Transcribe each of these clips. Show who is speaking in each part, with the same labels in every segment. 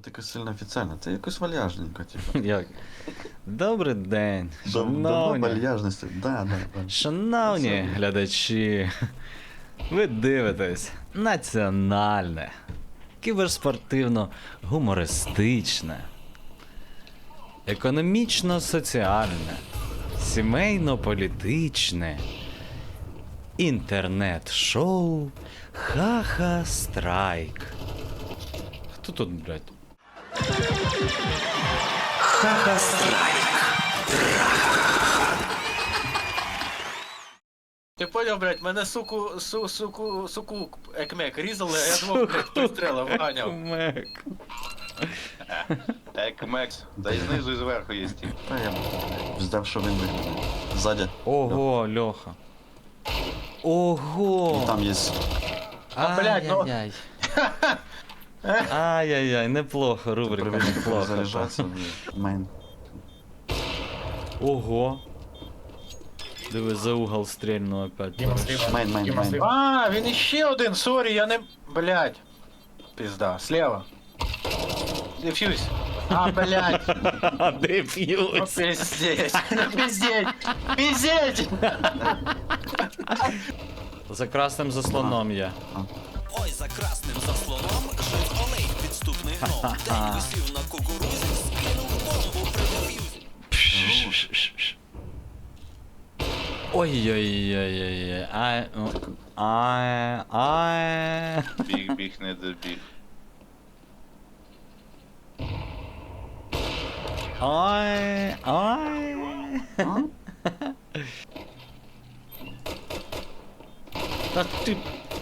Speaker 1: якось сильно офіційно, це якось вальяжненько, типу.
Speaker 2: Як? Добрий день,
Speaker 1: Давно
Speaker 2: шановні.
Speaker 1: вальяжності, да.
Speaker 2: Шановні глядачі, ви дивитесь національне, кіберспортивно-гумористичне, економічно-соціальне, сімейно-політичне, інтернет-шоу Ха-Ха Страйк. Хто тут, блядь?
Speaker 3: Ха-ха страйк.
Speaker 4: Ти поняв, блядь, мене суку екмек різали, а я двох, блядь, пристрелив, ганяв.
Speaker 2: Мек.
Speaker 5: Екмекс. Та й знизу і зверху є ті.
Speaker 1: Та я ждав, що він виглядає. Ззаді.
Speaker 2: Ого, Льоха. Ого!
Speaker 1: І там є.
Speaker 4: блядь, ну.
Speaker 2: Ай-яй-яй. Ай-яй-яй, неплохо, рубрика, неплохо.
Speaker 1: Заряджатися, мейн.
Speaker 2: Ого. Диви, за угол стрельну опять.
Speaker 1: Мейн.
Speaker 4: А, він іще один, сорі, я не... Блядь. Пизда, слева. Дефьюз. А, блядь. Ну,
Speaker 2: Дефьюз.
Speaker 4: пиздеть. Ну, пиздеть. Пиздеть.
Speaker 2: За красним заслоном я.
Speaker 3: Ой, за красним заслоном жив Олег підступний гном. День висів на кукурузі, скинув бомбу при деф'юзі.
Speaker 2: Ой-ой-ой-ой-ой. Ай.
Speaker 5: Біг, не добіг.
Speaker 2: Ай. Та ти...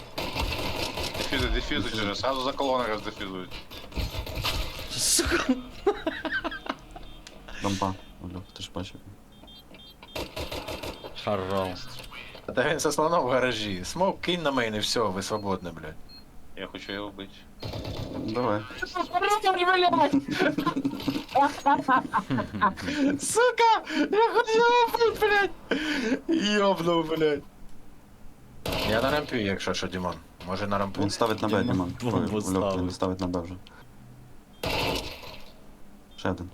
Speaker 5: Дефюзи через сразу за колони роздефюзують.
Speaker 2: Сука.
Speaker 1: Дампа. Олег, ти ж бачив.
Speaker 2: Хорош.
Speaker 4: Та він со слоном в гаражі. Смок, кинь на мене, все, ви свободні, блядь.
Speaker 5: Я хочу його вбити.
Speaker 1: Давай.
Speaker 4: Сука! Я хотів убить, блядь! Йобнув, блядь. Я на рампі, якщо що, Дімон. Може на рампу?
Speaker 1: Він ставить на Б, Дімон.
Speaker 2: Бомбу
Speaker 1: Ой, Олег,
Speaker 2: ставить.
Speaker 1: він ставить на Б вже. Ще один.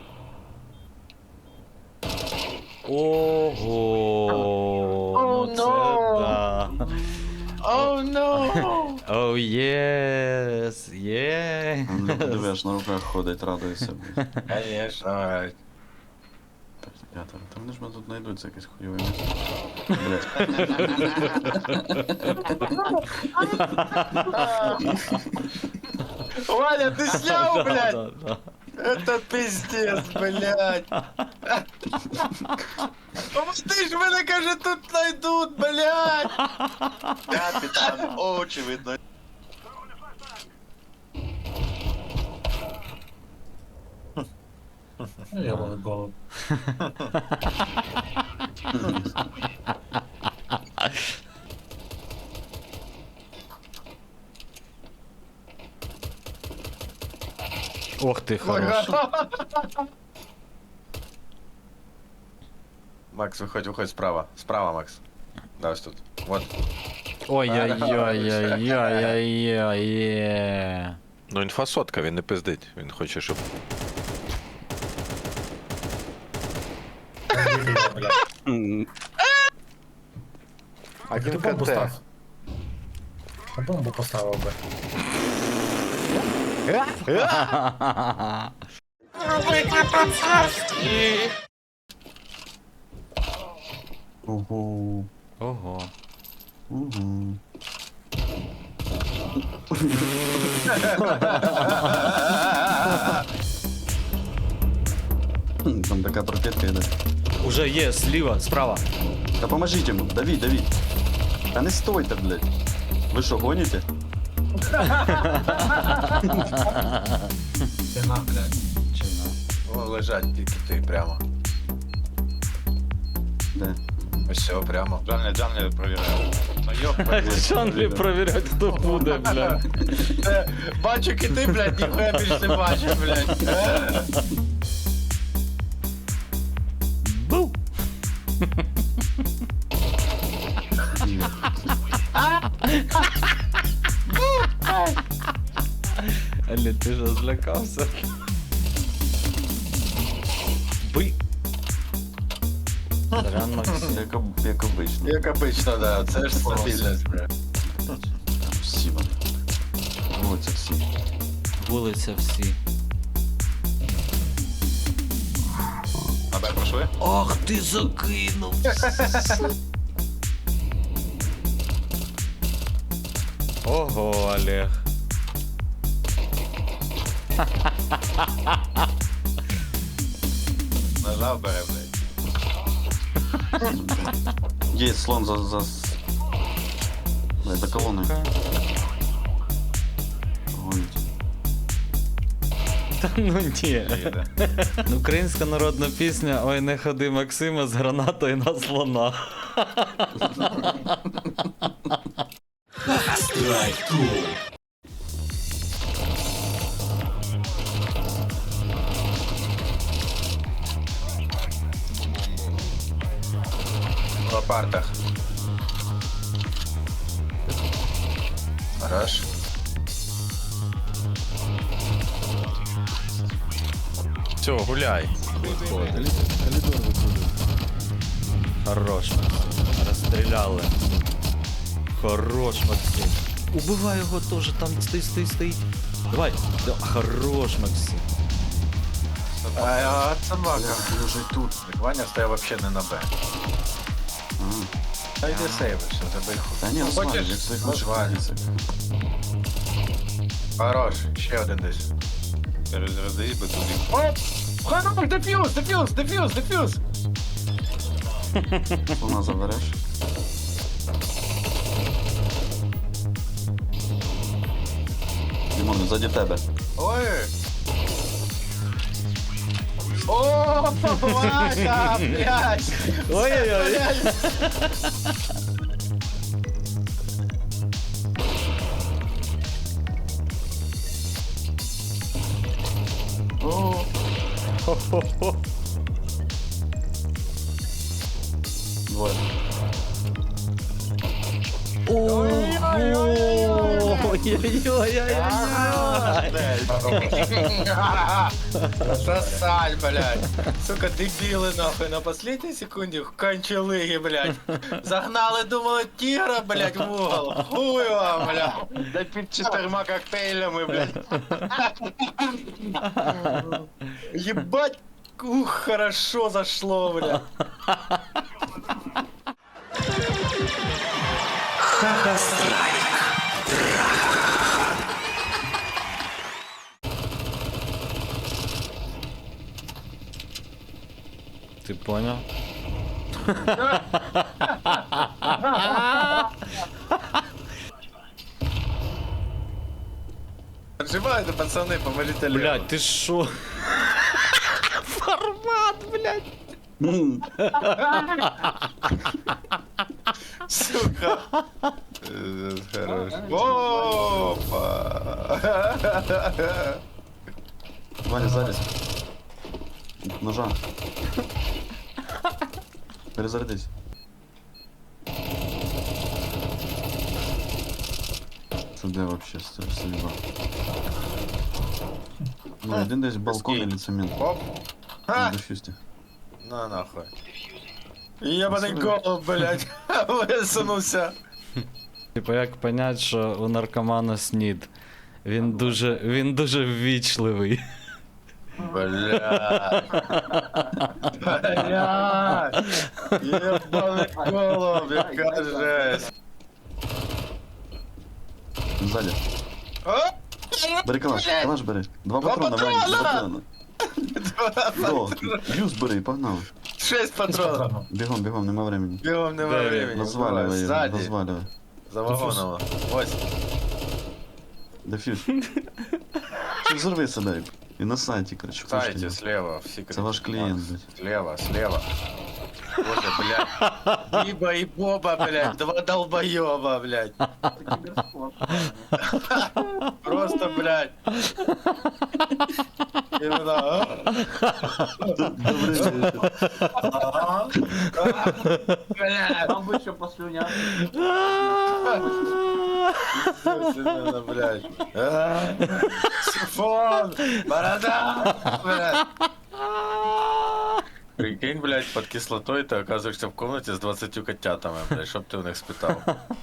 Speaker 2: Ого.
Speaker 4: Oh,
Speaker 2: Ну це
Speaker 4: no.
Speaker 2: да.
Speaker 4: Оу, но!
Speaker 2: Оу, єс, є.
Speaker 1: Олег, диви, аж на руках ходить, радується. блядь.
Speaker 4: Конечно.
Speaker 1: П'ятеро. Та вони ж мене тут знайдуть за якесь хуйове місце. Блядь.
Speaker 4: Ваня, ты снял, блядь?
Speaker 2: Да.
Speaker 4: Это пиздец, блядь. Ну ты ж мене, каже, тут найдут, блядь.
Speaker 5: Капітан, очевидно.
Speaker 6: Ёбаный голубь.
Speaker 2: Ох ти, хорош.
Speaker 4: Макс, выходь справа. Справа, Макс. Да, ось тут. Вот.
Speaker 2: Ой-ой-ой-ой-ой-ой-ой.
Speaker 7: Ну, інфа сотка, він не пиздить. Він хоче, щоб.
Speaker 6: А ти бомбу став. А бомбу поставив би.
Speaker 1: Ого.
Speaker 2: Ого.
Speaker 1: Угу. Там така пропітка йде.
Speaker 2: Уже є, зліва, справа.
Speaker 1: Та поможіть йому, давіть. Та не стойте, блядь. Ви що, гоніте?
Speaker 6: Стіна, блядь.
Speaker 4: Вон лежать тільки ти прямо.
Speaker 1: Де?
Speaker 4: Ось все, прямо.
Speaker 5: Джанлі провіряю. Ну йоп,
Speaker 2: Джанглі провіряти, хто буде, бля.
Speaker 4: Бачу кити, блядь, ніхуя більше не бачиш, блядь.
Speaker 2: Бу! Алі, ти ж злякався? Бий! Сорян, Максим.
Speaker 1: Як обично.
Speaker 4: Як обично, да, це ж стабільність, бля.
Speaker 1: Всі вони. Вулиця всі.
Speaker 2: Вулиця всі.
Speaker 5: На Б пройшли?
Speaker 2: Ах ти закинув! Ого, Олег.
Speaker 5: Нажав бере, блядь.
Speaker 1: Є слон за... Дай, за колоною. Гонить.
Speaker 2: Та ну ні.
Speaker 5: Їде.
Speaker 2: Українська народна пісня «Ой, не ходи, Максиме, з гранатою на слона».
Speaker 4: В лопартах. Хорош.
Speaker 7: Все, гуляй.
Speaker 2: Хорош, Максим. Розстріляли. Хорош, Максим. Убивай його теж, там стоїть. Давай. Да, хорош, Максим.
Speaker 4: А собака.
Speaker 1: Бля, вже й тут.
Speaker 4: Ваня стояв вообще не на Б.
Speaker 1: Ага.
Speaker 4: Та йди сейвишся, забий хуй.
Speaker 1: Та ні,
Speaker 4: Ну,
Speaker 1: розвалюй,
Speaker 4: хочеш?
Speaker 1: як своїх наших
Speaker 4: Розвалюй.
Speaker 1: позицій.
Speaker 4: Хорош, ще один десь.
Speaker 5: Перезарядись, би туди.
Speaker 4: Оп! Хорош, дефюз!
Speaker 1: Слона забереш. Дімон, він ззаді тебе.
Speaker 4: Ой! О, Ваня, блядь!
Speaker 2: Ой-ой-ой.
Speaker 1: Двоє.
Speaker 2: Ой-ой-ой.
Speaker 4: Сосаль, блядь. Сука, дебилы нахуй на последней секунде кончалыги, блядь. Загнали, думали, тигра, блядь, в угол. Хуй вам, блядь.
Speaker 5: Да під 4 коктейлями, блядь.
Speaker 4: Ебать, ух, хорошо зашло, блядь.
Speaker 2: Ти понял?
Speaker 4: Отжимайте, пацаны, поможите левым.
Speaker 2: Блядь, ти шо? Формат, блядь.
Speaker 4: Сука.
Speaker 5: Хорош.
Speaker 4: Опа.
Speaker 1: Ваня, ззаді. Ножа. Перезарядись. Це де вообще стрільба? Ну, один десь балкон или цемент.
Speaker 4: Оп.
Speaker 1: На
Speaker 4: Ха.
Speaker 1: дефюсті.
Speaker 4: На нахуй. Ебаный голубь, блядь. Висунувся.
Speaker 2: Типа як понять, що у наркомана снід? Він дуже ввічливий.
Speaker 4: Блядь. Блядь. Ебаный голубь, яка жесть.
Speaker 1: Ззаді.
Speaker 4: О!
Speaker 1: Бери калаш,
Speaker 4: Блядь.
Speaker 1: калаш бери. Два
Speaker 4: Два
Speaker 1: патрона, Ваня, два
Speaker 4: патрона!
Speaker 1: патрона. До, юз бери, погнали.
Speaker 4: 6 патронов.
Speaker 1: Бігом, нема времени.
Speaker 4: Бегом нема
Speaker 2: Де
Speaker 4: времени.
Speaker 1: Розвалювай його,
Speaker 4: Сзади.
Speaker 1: розвалювай.
Speaker 4: За вагоном. Ось.
Speaker 1: Дефюз. Чи взорви себе і на сайті, коротше.
Speaker 4: Сайте,
Speaker 1: пошли.
Speaker 4: слева. В секрете.
Speaker 1: Це ваш клієнт, блядь.
Speaker 4: Слева. Боже, блядь. Биба и Боба, блядь. Два долбоеба, блядь. Просто, блядь. Именно,
Speaker 1: Добрий вечір.
Speaker 4: блядь.
Speaker 8: Там бы еще послюнял.
Speaker 5: Естественно, блядь. Сифон! Борода! Блядь. Прикинь, блядь, под кислотой ты оказываешься в комнате с 20 котятами, блядь, чтоб ты у них спитал.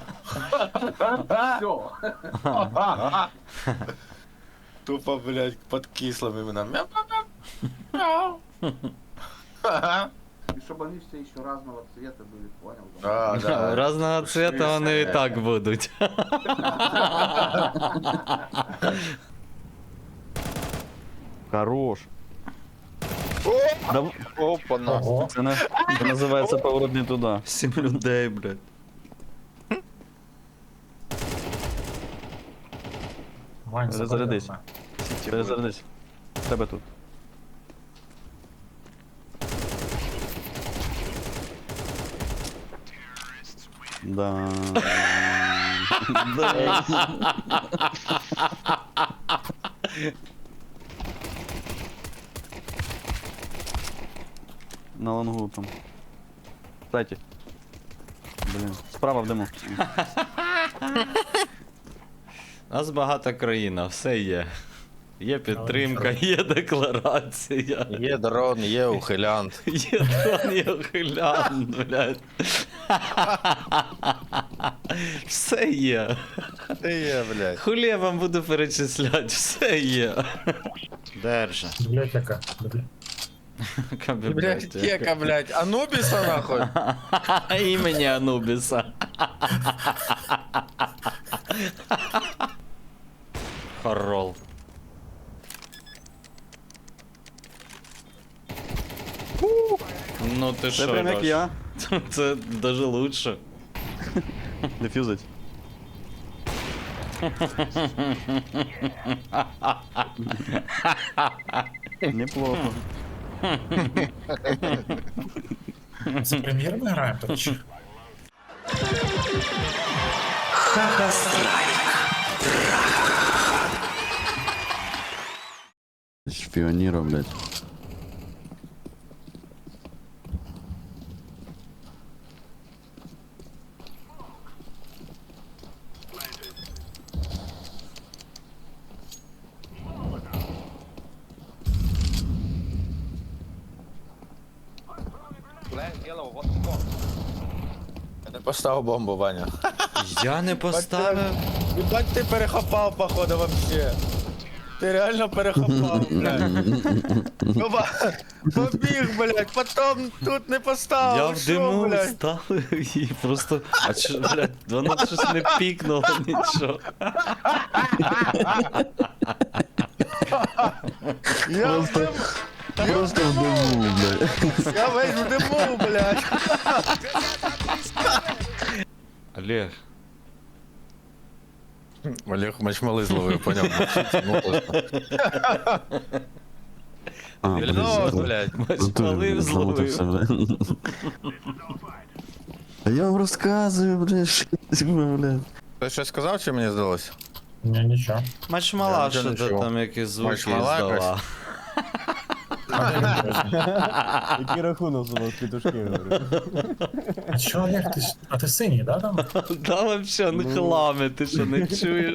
Speaker 5: Тупо, блядь, под кислым именно. Мяу.
Speaker 8: И чтобы они все еще разного цвета были, понял?
Speaker 5: А, да.
Speaker 2: Разного цвета вони і так будуть.
Speaker 1: Хорош.
Speaker 5: Опа, на.
Speaker 6: Ого.
Speaker 1: Це називається поворот не туди.
Speaker 2: 7 людей, блядь.
Speaker 6: Вань,
Speaker 1: Перезарядись.
Speaker 6: забавно.
Speaker 1: Перезарядись. Тебе тут. Да. На лонгу там. Кстати. Блін. Справа в диму.
Speaker 2: У нас багата країна, все є. Є підтримка, є декларація.
Speaker 7: Є дрон, є ухилянт.
Speaker 2: Є дрон, є ухилян, блядь. Все є.
Speaker 7: Ти є, блядь.
Speaker 2: Хулі я вам буду перечисляти, все є. Держа.
Speaker 6: Бібліотека.
Speaker 7: Блядь, кека, блядь. Анубіса, нахуй.
Speaker 2: Імені Анубіса. Хорол. Ну ти
Speaker 1: Це
Speaker 2: що,
Speaker 1: прям як
Speaker 2: Рош?
Speaker 1: я.
Speaker 2: Це даже лучше.
Speaker 1: Дефюзить. Неплохо.
Speaker 6: Це прем'єр ми граємо тут чи?
Speaker 1: Шпіоніра, блядь.
Speaker 7: Я не поставив бомбу, Ваня.
Speaker 2: Я не поставив.
Speaker 7: Ебать, ти перехопав, походу, вообще. Ти реально перехопав, блядь. Побіг, блядь, потом тут не поставив.
Speaker 2: Я в
Speaker 7: що,
Speaker 2: диму
Speaker 7: блядь?
Speaker 2: ставив і просто. А чо, блядь, воно щось не пікнуло нічого.
Speaker 7: Я в диму.
Speaker 1: Просто в диму, блядь.
Speaker 7: Я весь в диму, блядь.
Speaker 2: Олег.
Speaker 7: Олег мачмали зловив, поняв.
Speaker 1: А,
Speaker 7: Вільнос, блядь.
Speaker 2: Мачмалив зловив.
Speaker 1: А я вам розказую, блядь, блядь.
Speaker 7: Ти щось сказав, чи мені здалося?
Speaker 6: Ні, нічого.
Speaker 2: Мачмала,
Speaker 7: Я
Speaker 2: що
Speaker 7: нічого не
Speaker 2: ти
Speaker 7: чув.
Speaker 2: там якісь звуки
Speaker 7: Мачмала
Speaker 2: здала.
Speaker 7: якась?
Speaker 9: Який рахунок у нас петушки, говорю.
Speaker 6: А чого, Олег, ти ж... А ти синій, да, там?
Speaker 2: Да вообще не хлами, ти що не чуєш?